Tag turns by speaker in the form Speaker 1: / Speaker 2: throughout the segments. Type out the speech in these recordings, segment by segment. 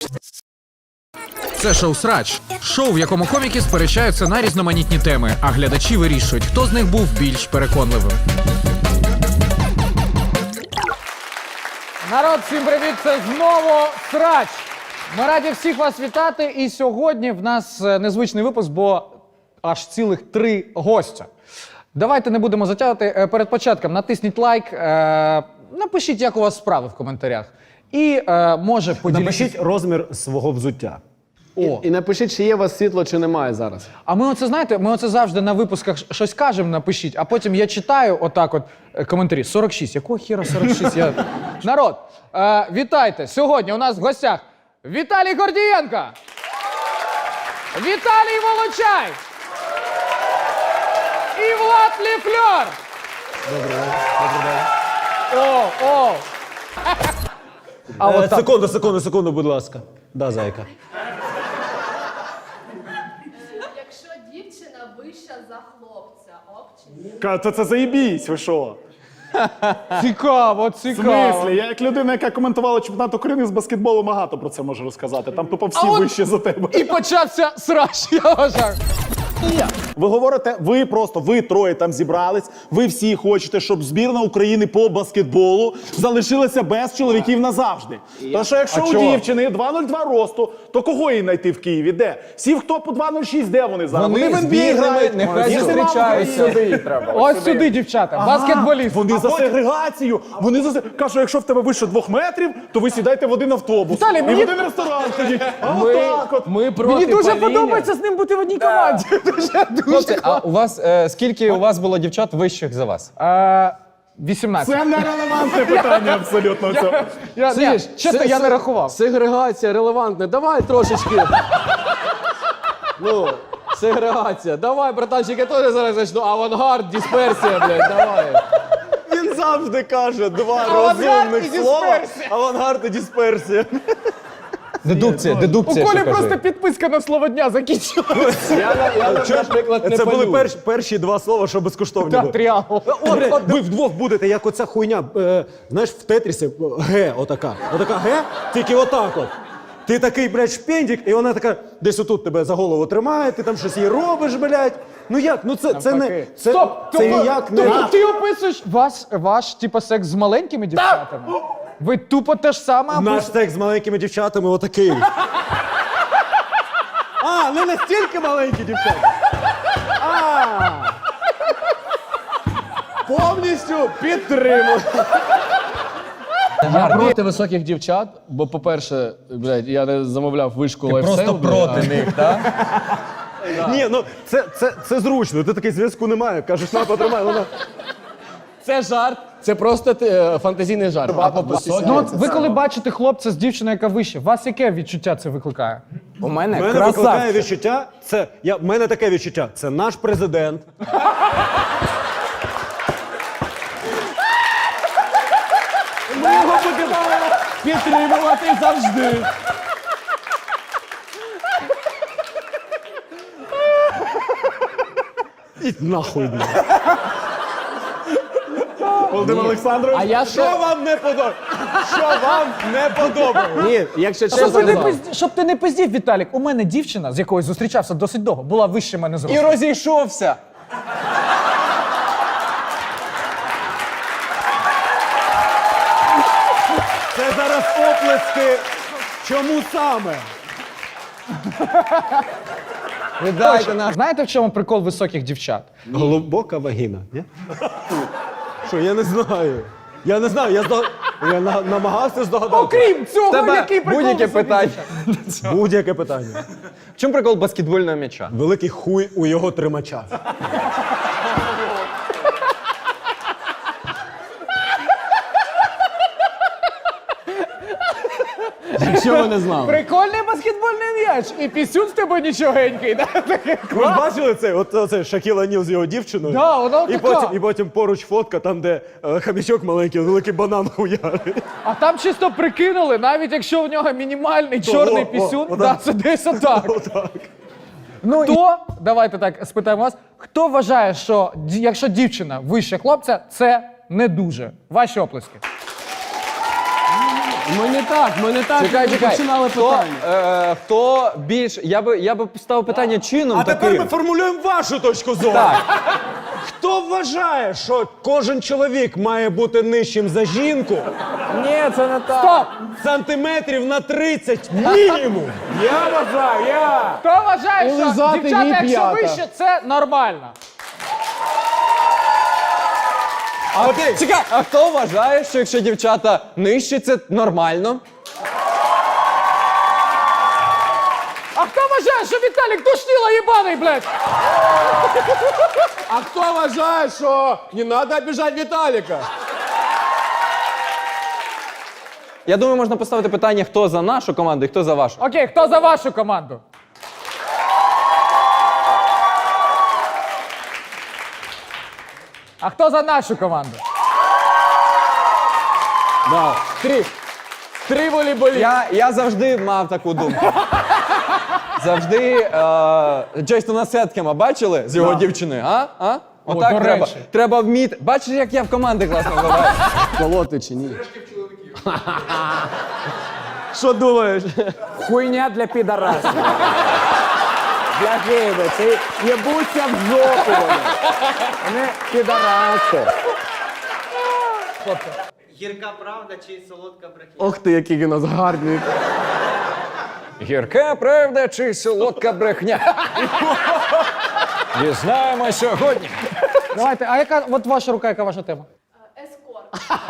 Speaker 1: Це шоу «Срач». Шоу, в якому коміки сперечаються на різноманітні теми, а глядачі вирішують, хто з них був більш переконливим.
Speaker 2: Народ, всім привіт! Це знову «Срач». Ми раді всіх вас вітати. І сьогодні в нас незвичний випуск, бо аж цілих 3 гостя. Давайте не будемо затягувати. Перед початком натисніть лайк, напишіть, як у вас справи в коментарях. І, може, поділіться...
Speaker 3: Напишіть розмір свого взуття.
Speaker 4: І напишіть, чи є у вас світло, чи немає зараз.
Speaker 2: А ми оце, знаєте, ми оце завжди на випусках щось кажемо, напишіть, а потім я читаю отак от коментарі. 46. Якого хіра 46? Народ, вітайте. Сьогодні у нас в гостях Віталій Гордієнко, Віталій Волочай і Влад Ліфльор. Добрий день.
Speaker 3: Секунду, будь ласка. Да, зайка.
Speaker 5: Якщо дівчина вища за хлопця, ок чи ні?
Speaker 6: Це заєбісь, ви що?
Speaker 2: Цікаво,
Speaker 6: В
Speaker 2: цікаво.
Speaker 6: смислі? Я як людина, яка коментувала чемпіонат України з баскетболу, багато про це можу розказати. Там тупо всі вищі за тебе.
Speaker 2: І почався срач, я вважаю.
Speaker 6: Ви говорите, ви троє там зібрались, ви всі хочете, щоб збірна України по баскетболу залишилася без чоловіків назавжди. Тому що якщо у дівчини 2,02 росту, то кого їй знайти в Києві? Де? Всі, хто по 2,06, де вони зараз?
Speaker 2: Вони
Speaker 6: в NBA грають.
Speaker 2: нехай
Speaker 6: Їх нема в Україні.
Speaker 2: Ось сюди, дівчата, баскетболісти.
Speaker 6: Вони за сегрегацію. Кажуть, якщо в тебе вище 2 метрів, то ви сідаєте в один автобус.
Speaker 2: Віталій,
Speaker 6: І
Speaker 2: мені-
Speaker 6: в один ресторан ходіть. А отак от.
Speaker 2: Мені дуже подобається з ним бути в одній команді.
Speaker 7: Хлопці, а у вас скільки у вас було дівчат вищих за вас?
Speaker 2: 18.
Speaker 6: Це нерелевантне питання абсолютно.
Speaker 2: Чесно, я не рахував.
Speaker 4: Сегрегація релевантна. Давай трошечки. Ну, сегрегація. Давай, братанчик, я теж зараз почну. Авангард, дисперсія, блядь, давай.
Speaker 3: Він завжди каже 2
Speaker 2: Авангард
Speaker 3: розумних
Speaker 2: і
Speaker 3: слова.
Speaker 2: дисперсія.
Speaker 3: Авангард і дисперсія.
Speaker 7: Дедукція,
Speaker 2: У
Speaker 7: дедукція.
Speaker 2: Колі
Speaker 7: ще кажи.
Speaker 2: просто підписка на слово дня закінчилася.
Speaker 4: Я, наприклад, не
Speaker 3: Це були
Speaker 4: палю.
Speaker 3: перші 2 слова, що безкоштовні
Speaker 2: Так,
Speaker 3: були.
Speaker 2: тріангл.
Speaker 3: От, ви вдвох будете, як оця хуйня, знаєш, в Тетрісі, Г отака. Отака Г, тільки отак от. Ти такий, блядь, шпендик, і вона така десь отут тебе за голову тримає, ти там щось їй робиш, блядь. Ну як? Ну це не... Це,
Speaker 2: Стоп!
Speaker 3: це ніяк не...
Speaker 2: Тобто ти описуєш ваш, типа, секс з маленькими дівчатами? Ви тупо те ж саме
Speaker 3: Наш
Speaker 2: описуєте?
Speaker 3: секс з маленькими дівчатами отакий. А, не настільки маленькі дівчата.
Speaker 4: Повністю підтримую. Я проти високих дівчат, бо, по-перше, блядь, я не замовляв вишку лайфстайл.
Speaker 7: Просто проти них, так?
Speaker 3: Ні, ну це зручно, ти такий зв'язку немає. Кажеш, на, потримай, вона...
Speaker 4: Це жарт, це просто фантазійний жарт. А по високих...
Speaker 2: Ну от ви коли бачите хлопця з дівчиною, яка вище, вас яке відчуття це викликає?
Speaker 7: У мене
Speaker 3: Мене викликає відчуття, в мене таке відчуття, це наш президент.
Speaker 4: Ми його будемо підтримувати завжди.
Speaker 3: І нахуй, блядь.
Speaker 6: Володимир Олександрович.
Speaker 4: А я
Speaker 3: Що вам не подобається? Що вам не подобається?
Speaker 4: Ні, якщо
Speaker 2: Щоб
Speaker 4: чесно
Speaker 2: ти, не
Speaker 4: сказав.
Speaker 2: щоб ти не пиздів, Віталік, у мене дівчина, з якою зустрічався досить довго, була вище мене
Speaker 7: І
Speaker 2: зростом.
Speaker 7: розійшовся.
Speaker 3: Це зараз оплески. Чому саме?
Speaker 7: Віддайте нам.
Speaker 2: Знаєте, в чому прикол високих дівчат?
Speaker 3: Глибока вагіна, ні? Що, я не знаю. Я не знаю, я намагався здогадати.
Speaker 2: Окрім цього,
Speaker 7: Тебе
Speaker 2: який прикол
Speaker 7: будь-яке
Speaker 2: високих
Speaker 7: питання.
Speaker 2: дівчат?
Speaker 3: Будь-яке питання.
Speaker 7: В чому прикол баскетбольного м'яча?
Speaker 3: Великий хуй у його тримача.
Speaker 4: Якщо ви не знали.
Speaker 2: Прикольний баскетбольний м'яч, і пісюн з тебе нічогенький. Да?
Speaker 3: Ви ж бачили це? Оце Шакіл О'Ніл з його дівчиною?
Speaker 2: Да, вона
Speaker 3: і,
Speaker 2: така.
Speaker 3: потім поруч фотка, там, де хомячок маленький, великий банан хуярить.
Speaker 2: А там чисто прикинули, навіть якщо в нього мінімальний чорний пісюн, да, це десь отак. Ну, хто, давайте так спитаємо вас, хто вважає, що якщо дівчина вище хлопця, це не дуже? Ваші оплески.
Speaker 4: Ми не так
Speaker 7: Чекай.
Speaker 4: починали питання.
Speaker 7: Хто більш. Я би поставив питання чином
Speaker 3: А тепер
Speaker 7: таким.
Speaker 3: ми формулюємо вашу точку зору.
Speaker 7: Так.
Speaker 3: Хто вважає, що кожен чоловік має бути нижчим за жінку
Speaker 7: Ні, це не так.
Speaker 2: Стоп!
Speaker 3: сантиметрів на 30 мінімум?
Speaker 6: Я вважаю,
Speaker 2: Хто вважає, що
Speaker 4: Лизати
Speaker 2: дівчата,
Speaker 4: їй
Speaker 2: якщо
Speaker 4: п'ята.
Speaker 2: вище, це нормально?
Speaker 7: Чекай, а хто вважає, що якщо дівчата нижчі, це нормально?
Speaker 2: А хто вважає, що Віталік душніла їбаний, блядь?
Speaker 4: А хто вважає, що не треба обіжати Віталіка?
Speaker 7: Я думаю, можна поставити питання, хто за нашу команду і хто за вашу.
Speaker 2: Окей, хто за вашу команду? А хто за нашу команду?
Speaker 4: Три волейболі.
Speaker 7: Я завжди мав таку думку. Завжди Джейсона Сеткема бачили з його дівчиною, а? Отак
Speaker 2: до
Speaker 7: треба.
Speaker 2: речі.
Speaker 7: Треба вміти. Бачиш, як я в команди класно граю?
Speaker 4: Колоти чи ні?
Speaker 3: Що думаєш?
Speaker 8: Хуйня для підарасів. Для гейби. Це єбуться в жопу вони. Вони підараси.
Speaker 9: Гірка правда чи солодка брехня?
Speaker 4: Ох ти, який він у нас гарний.
Speaker 1: Гірка правда чи солодка брехня? Дізнаємо сьогодні.
Speaker 2: Давайте, а яка, от ваша рука, яка ваша тема?
Speaker 5: Ескорт.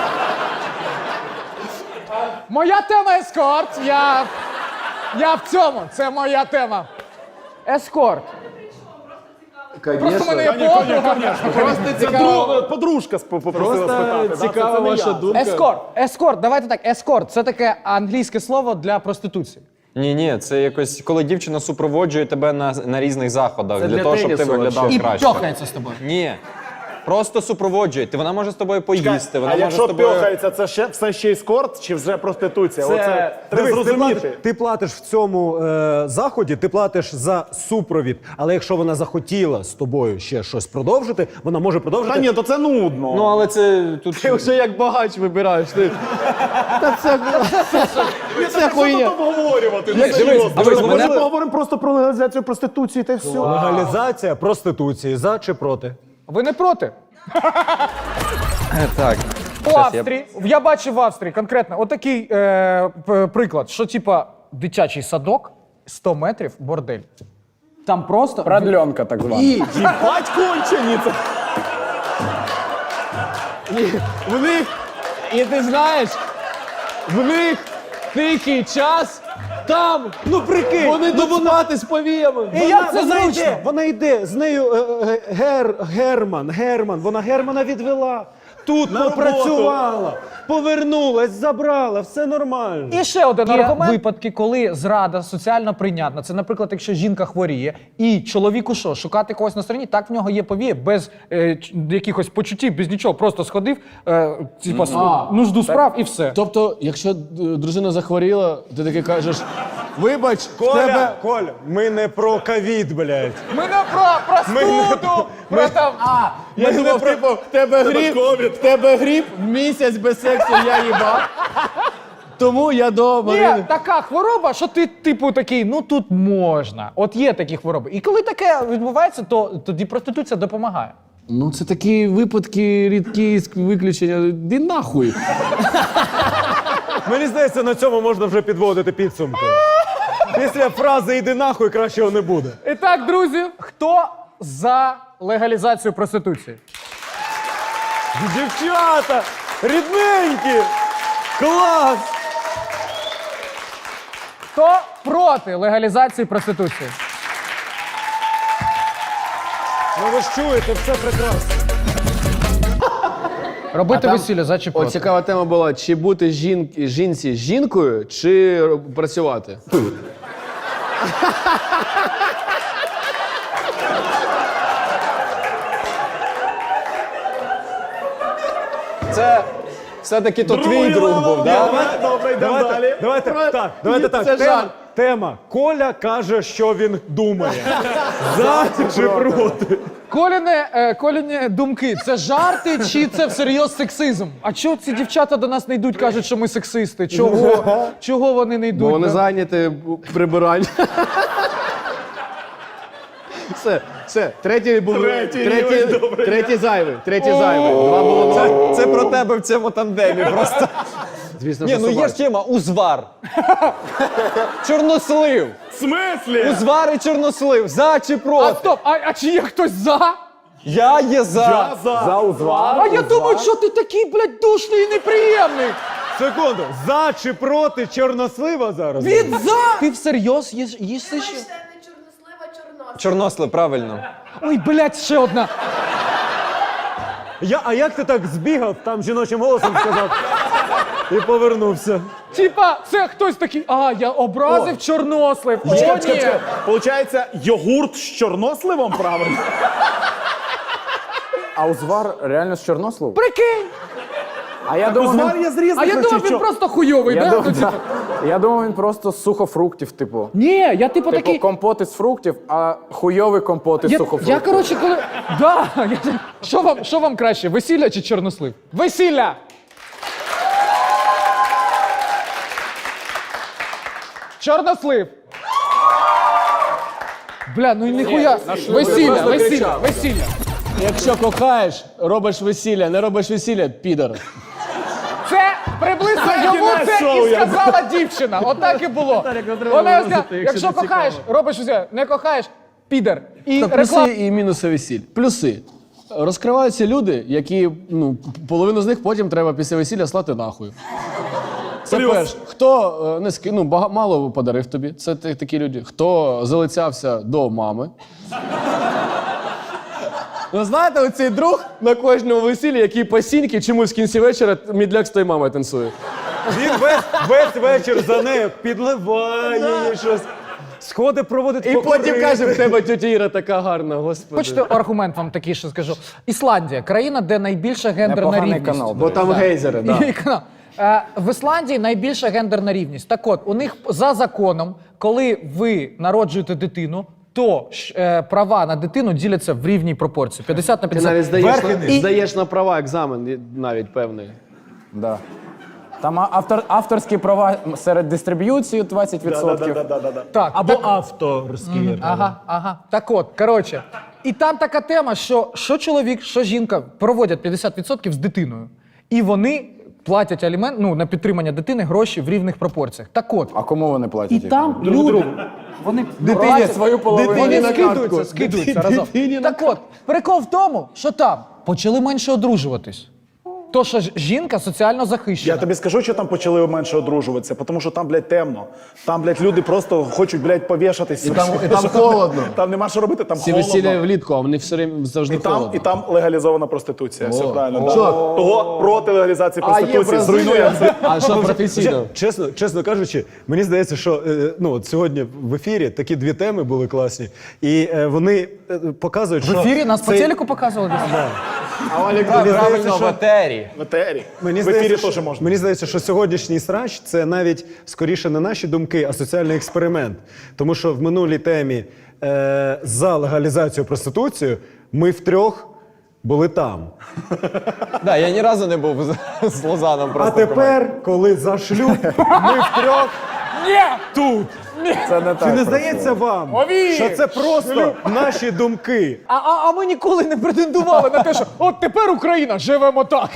Speaker 2: Моя тема ескорт. Я в цьому. Це моя тема. Ескорт. Просто мене є подруга.
Speaker 4: Просто
Speaker 6: це
Speaker 4: цікаво.
Speaker 6: подружка попросила спитати.
Speaker 4: Просто цікава ваша думка.
Speaker 2: Ескорт. Давайте так. Ескорт це таке англійське слово для проституції.
Speaker 7: Ні, це якось, коли дівчина супроводжує тебе на різних заходах,
Speaker 4: Це
Speaker 7: для
Speaker 4: для
Speaker 7: того, щоб ти
Speaker 4: тенісу
Speaker 7: виглядав
Speaker 2: І
Speaker 7: краще.
Speaker 2: пьохається з тобою.
Speaker 7: Ні. Просто супроводжує. Вона може з тобою поїсти, вона
Speaker 6: А
Speaker 7: може з
Speaker 6: якщо
Speaker 7: тобою...
Speaker 6: пьохається, це ще все ще ескорт чи вже проституція?
Speaker 3: Це-
Speaker 6: Оце треба
Speaker 3: Дивись,
Speaker 6: зрозуміти.
Speaker 3: ти платиш в цьому заході, ти платиш за супровід. Але якщо вона захотіла з тобою ще щось продовжити, вона може продовжити.
Speaker 6: Та ні, то це нудно.
Speaker 7: Ну, але це тут...
Speaker 4: Ти вже як багач вибираєш. Ти. Та це хуйня.
Speaker 6: Що тут обговорювати? Ну,
Speaker 7: Дивись,
Speaker 6: серйозно.
Speaker 7: дивись,
Speaker 6: Ми
Speaker 7: мене-
Speaker 6: поговоримо просто про легалізацію проституції та й все.
Speaker 3: Легалізація проституції. За чи проти?
Speaker 2: Ви не проти?
Speaker 7: Так.
Speaker 2: У Австрії, я бачив в Австрії конкретно отакий приклад, що типа дитячий садок, 100 метрів, бордель. Там просто...
Speaker 8: Продленка так звана.
Speaker 6: Їбать кончені це.
Speaker 4: В них, і ти знаєш, в них тихий час, там
Speaker 3: Ну прикинь!
Speaker 4: вони допомагати з повіями.
Speaker 2: І як це зручно?
Speaker 3: Вона йде, з нею Герман, вона Германа відвела. Тут попрацювала, повернулась, забрала, все нормально.
Speaker 2: І ще один аргумент. Випадки, коли зрада соціально прийнятна. Це, наприклад, якщо жінка хворіє, і чоловіку що, шукати когось на стороні, так в нього є повія, без якихось почуттів, без нічого. Просто сходив, нужду справ і все.
Speaker 4: Тобто, якщо дружина захворіла, ти таки кажеш, вибач, в тебе...
Speaker 3: Коля, ми не про ковід, блядь.
Speaker 2: Ми не про простуду, про там...
Speaker 4: Я думав, типу, в тебе гріб, місяць без сексу я їбав. Тому я до
Speaker 2: Є
Speaker 4: Марини.
Speaker 2: така хвороба, що ти, типу, такий, ну тут можна. От є такі хвороби. І коли таке відбувається, то тоді проституція допомагає.
Speaker 4: Ну, це такі випадки, рідкі виключення. Іди нахуй.
Speaker 3: Мені здається, на цьому можна вже підводити підсумки. Після фрази «іди нахуй» кращого не буде.
Speaker 2: І так, друзі, хто за легалізацію проституції?
Speaker 3: Дівчата! Рідненькі! Клас!
Speaker 2: Хто проти легалізації проституції?
Speaker 3: Ну ви ж чуєте, все прекрасно.
Speaker 2: Робити весілля за чи проти?
Speaker 4: От цікава тема була, чи бути жінці жінкою, чи працювати.
Speaker 7: Це все-таки то твій друг був, так?
Speaker 6: Добре, йдемо далі.
Speaker 3: Давайте так.
Speaker 4: Це жарт.
Speaker 3: Тема. Коля каже, що він думає. За чи проти?
Speaker 2: Коліні думки, це жарти чи це всерйоз сексизм? А чого ці дівчата до нас не йдуть, кажуть, що ми сексисти? Чого вони не йдуть?
Speaker 4: Бо вони зайняті прибиранням. Все, третій був. Третій зайвий. Два було.
Speaker 7: Це про тебе в цьому тандемі просто.
Speaker 4: Звісно,
Speaker 7: Ні,
Speaker 4: що
Speaker 7: ну є ж тема узвар. Чорнослив.
Speaker 6: В смислі?
Speaker 7: Узвар і чорнослив. За чи
Speaker 2: А
Speaker 7: проти?
Speaker 2: стоп, а чи є хтось за?
Speaker 7: Я є за.
Speaker 8: За узвар.
Speaker 2: А я думаю, що ти такий, блядь, душний і неприємний.
Speaker 3: Секунду, за чи проти чорнослива зараз?
Speaker 2: Він за! Ти всерйоз їсти ще?
Speaker 5: Бачите, не чорнослив, а чорнослив.
Speaker 7: Чорнослив, правильно.
Speaker 2: Ой, блядь, ще одна.
Speaker 3: А як ти так збігав, там жіночим голосом сказав і повернувся?
Speaker 2: Типа, це хтось такий, я образив чорнослив. О, ні.
Speaker 6: Получається, йогурт з чорносливом, правильно?
Speaker 8: А узвар реально з чорносливу?
Speaker 2: Прикинь.
Speaker 8: А я думав,
Speaker 6: Узвар
Speaker 8: він...
Speaker 6: є з різних
Speaker 2: А я думав,
Speaker 6: речей,
Speaker 2: він
Speaker 6: що?
Speaker 2: просто хуйовий,
Speaker 8: Я
Speaker 2: да?
Speaker 8: думав,
Speaker 2: Ну, типу.
Speaker 8: я думав, він просто з сухофруктів, типу.
Speaker 2: Ні, я типу
Speaker 8: Типу
Speaker 2: такий.
Speaker 8: компот із фруктів, а хуйовий компот із сухофруктів.
Speaker 2: Я коротше, коли. Да, що вам краще, весілля чи чорнослив? Весілля! Чорнослив! Бля, ну і ніхуя. Весілля.
Speaker 4: Якщо кохаєш, робиш весілля, не робиш весілля, підар.
Speaker 2: Це приблизно йому це і сказала дівчина. Отак і було. Вона сказала, якщо кохаєш, робиш весілля, не кохаєш, підер. І
Speaker 4: Та плюси
Speaker 2: реклама.
Speaker 4: і мінуси весіль. Плюси. Розкриваються люди, які, половину з них потім треба після весілля слати нахуй. Це перше. Хто не мало подарив тобі, це такі люди. Хто залицявся до мами. Ви знаєте, оцей друг на кожному весіллі, який посіньки чомусь в кінці вечора мідляк з тою мамою танцює.
Speaker 3: Він весь вечір за нею підливає їй щось. Сходи проводить
Speaker 4: І потім каже, в тебе тетя Іра така гарна, господи.
Speaker 2: Хочете аргумент вам такий, що скажу. Ісландія, країна, де найбільша гендерна
Speaker 8: Непоганий
Speaker 2: рівність.
Speaker 8: канал.
Speaker 4: Бо там гейзери, так.
Speaker 2: І канал. В Ісландії найбільша гендерна рівність. Так от, у них за законом, коли ви народжуєте дитину, то права на дитину діляться в рівній пропорції. 50 на
Speaker 4: Ти
Speaker 2: 50.
Speaker 4: навіть здаєш на права екзамен навіть певний.
Speaker 8: Да. Там авторські права серед дистриб'юції 20%.
Speaker 2: Так,
Speaker 3: Або авторські.
Speaker 2: Ага. Так от, коротше. І там така тема, що чоловік, що жінка проводять 50% з дитиною. І вони платять алімент, на підтримання дитини гроші в рівних пропорціях. Так от.
Speaker 8: А кому вони платять?
Speaker 2: І
Speaker 8: їх?
Speaker 2: там люди, вони
Speaker 8: Дитині свою половину.
Speaker 2: вони
Speaker 4: на картку.
Speaker 2: скидуються разом. Так от, прикол в тому, що там почали менше одружуватись. То, що жінка соціально захищена.
Speaker 6: Я тобі скажу, що там почали менше одружуватися, тому що там, блядь, темно. Там, блядь, люди просто хочуть, блядь, повішатись.
Speaker 4: І там холодно.
Speaker 6: Там нема що робити, там
Speaker 4: Всі
Speaker 6: холодно.
Speaker 4: весілля влітку, а вони все время завжди холодно.
Speaker 6: І там легалізована проституція. Все правильно. Да.
Speaker 4: Що?
Speaker 6: Того проти легалізації
Speaker 4: А є
Speaker 6: проституції зруйнує.
Speaker 4: Бразилія. А що професійно?
Speaker 3: Чесно кажучи, мені здається, що от сьогодні в ефірі такі дві теми були класні. І вони показують, що...
Speaker 2: В ефірі нас по
Speaker 3: цей-
Speaker 2: телеку показували.
Speaker 7: Правильно, в етері.
Speaker 6: В етері.
Speaker 3: Мені
Speaker 6: В ефірі
Speaker 3: здається,
Speaker 6: теж можна.
Speaker 3: Мені здається, що сьогоднішній срач це навіть скоріше не наші думки, а соціальний експеримент. Тому що в минулій темі за легалізацію проституції ми втрьох були там.
Speaker 7: Да, я ні разу не був з Лозаном
Speaker 3: А
Speaker 7: просто.
Speaker 3: тепер, коли за шлюб, ми втрьох тут.
Speaker 8: Це не
Speaker 3: Чи
Speaker 8: так.
Speaker 3: не здається вам,
Speaker 2: Ові!
Speaker 3: що це просто наші думки?
Speaker 2: А ми ніколи не претендували на те, що от тепер Україна, живемо так.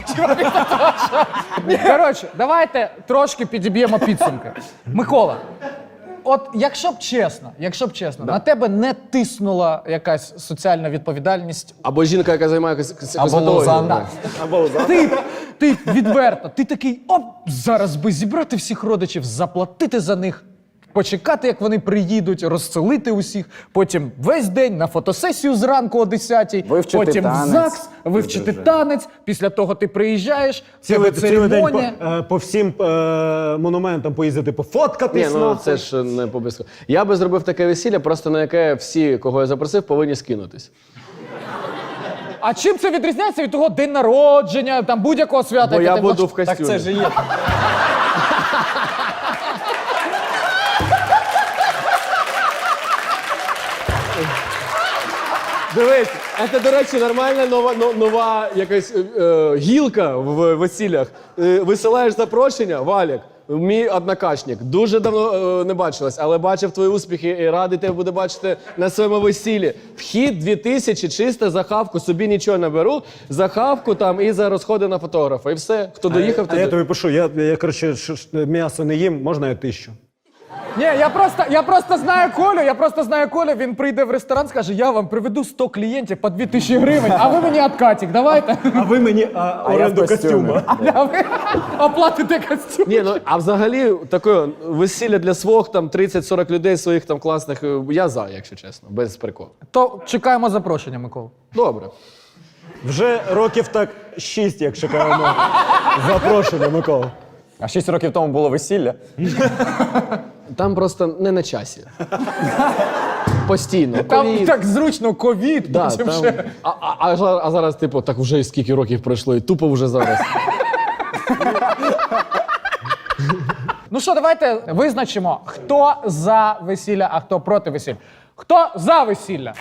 Speaker 2: Коротше, давайте трошки підіб'ємо підсумки. Микола, от якщо б чесно, на тебе не тиснула якась соціальна відповідальність.
Speaker 4: Або жінка, яка займається
Speaker 7: Або
Speaker 4: косметологією.
Speaker 7: Лозанна.
Speaker 2: Ти відверто, ти такий, зараз би зібрати всіх родичів, заплатити за них, почекати, як вони приїдуть, розселити усіх, потім весь день на фотосесію зранку о 10-й,
Speaker 8: Вивчити
Speaker 2: потім в
Speaker 8: танець.
Speaker 2: ЗАГС, вивчити танець, після того ти приїжджаєш,
Speaker 3: Цілий
Speaker 2: церемонія.
Speaker 3: день по всім монументам поїздити,
Speaker 4: Ні,
Speaker 3: пофоткатись.
Speaker 4: це ж не обов'язково. Я би зробив таке весілля, просто на яке всі, кого я запросив, повинні скинутись.
Speaker 2: А чим це відрізняється від того день народження, там будь-якого свята?
Speaker 4: Бо
Speaker 2: яке
Speaker 4: я
Speaker 2: ти
Speaker 4: буду
Speaker 2: хочеш?
Speaker 4: в костюмі.
Speaker 7: Так це ж і є.
Speaker 3: Дивись,
Speaker 4: Це, до речі, нормальна нова якась гілка в весіллях. Висилаєш запрошення, Валік, мій однокашник. Дуже давно не бачилась, але бачив твої успіхи і радий тебе буде бачити на своєму весіллі. Вхід 2000, чисто за хавку, собі нічого не беру, за хавку там і за розходи на фотографа. І все, хто доїхав,
Speaker 3: А я
Speaker 4: туди.
Speaker 3: тобі пишу, я коротше, м'ясо не їм, можна я 1000?
Speaker 2: Ні, я просто знаю Колю, він прийде в ресторан, скаже, я вам приведу 100 клієнтів по 2000 гривень, а ви мені откатик, давайте.
Speaker 3: А ви мені оренду костюму.
Speaker 2: А ви оплатите костюм.
Speaker 4: Ні, ну а взагалі таке весілля для свох там 30-40 людей своїх там класних. Я за, якщо чесно, без приколу.
Speaker 2: То чекаємо запрошення, Микола.
Speaker 4: Добре.
Speaker 3: Вже років так 6, як чекаємо запрошення, Микола.
Speaker 7: А 6 років тому було весілля.
Speaker 4: Там просто не на часі. Постійно.
Speaker 2: Там
Speaker 4: ковід.
Speaker 2: так зручно, ковід,
Speaker 4: Да,
Speaker 2: потім
Speaker 4: там...
Speaker 2: ще.
Speaker 4: а зараз, типу, так вже і скільки років пройшло, і тупо вже зараз.
Speaker 2: Ну що, давайте визначимо, хто за весілля, а хто проти весілля. Хто за весілля?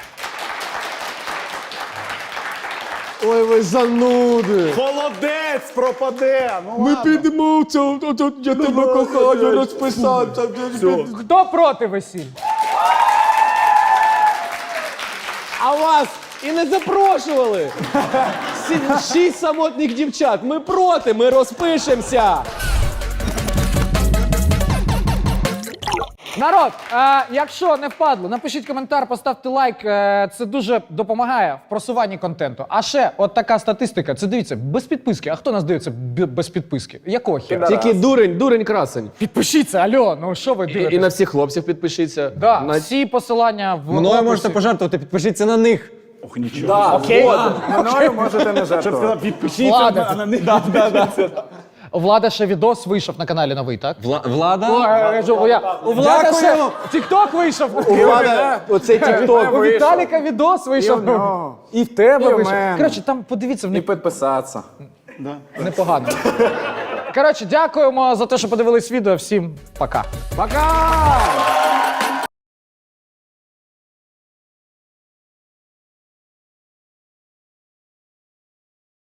Speaker 4: Ой, ви зануди!
Speaker 6: Холодець пропаде! Ну, ладно.
Speaker 4: підемо, я тебе кохаю, розписався.
Speaker 2: Хто проти весілля?
Speaker 4: А вас і не запрошували! 6 самотніх дівчат, ми проти, ми розпишемося!
Speaker 2: Народ, якщо не впадло, напишіть коментар, поставте лайк. Це дуже допомагає в просуванні контенту. А ще, от така статистика. Це дивіться, без підписки. А хто нас дивиться без підписки? Якого хера?
Speaker 4: Тільки дурень красень.
Speaker 2: Підпишіться, алло, ну що ви дивитесь?
Speaker 4: І на всіх хлопців підпишіться.
Speaker 2: Да,
Speaker 4: На...
Speaker 2: всі посилання в
Speaker 7: Мною
Speaker 2: описі.
Speaker 7: можете пожертвувати, підпишіться на них.
Speaker 6: Ох, нічого.
Speaker 4: Да,
Speaker 2: Окей.
Speaker 8: Мною можете не жертвувати.
Speaker 6: Сказав, підпишіться,
Speaker 2: Влада.
Speaker 6: а на них
Speaker 2: Влада ще відос вийшов на каналі новий, так?
Speaker 7: Влада?
Speaker 2: У Влада
Speaker 7: Дякую.
Speaker 2: ще тікток вийшов.
Speaker 4: Влада, оцей тікток.
Speaker 2: У Віталіка відос вийшов. І в тебе
Speaker 8: І в
Speaker 2: вийшов.
Speaker 8: мене.
Speaker 2: Коротше, там подивіться, в
Speaker 8: І
Speaker 2: них
Speaker 8: підписатися.
Speaker 2: непогано. Коротше, дякуємо за те, що подивились відео. Всім пока.
Speaker 4: Пока!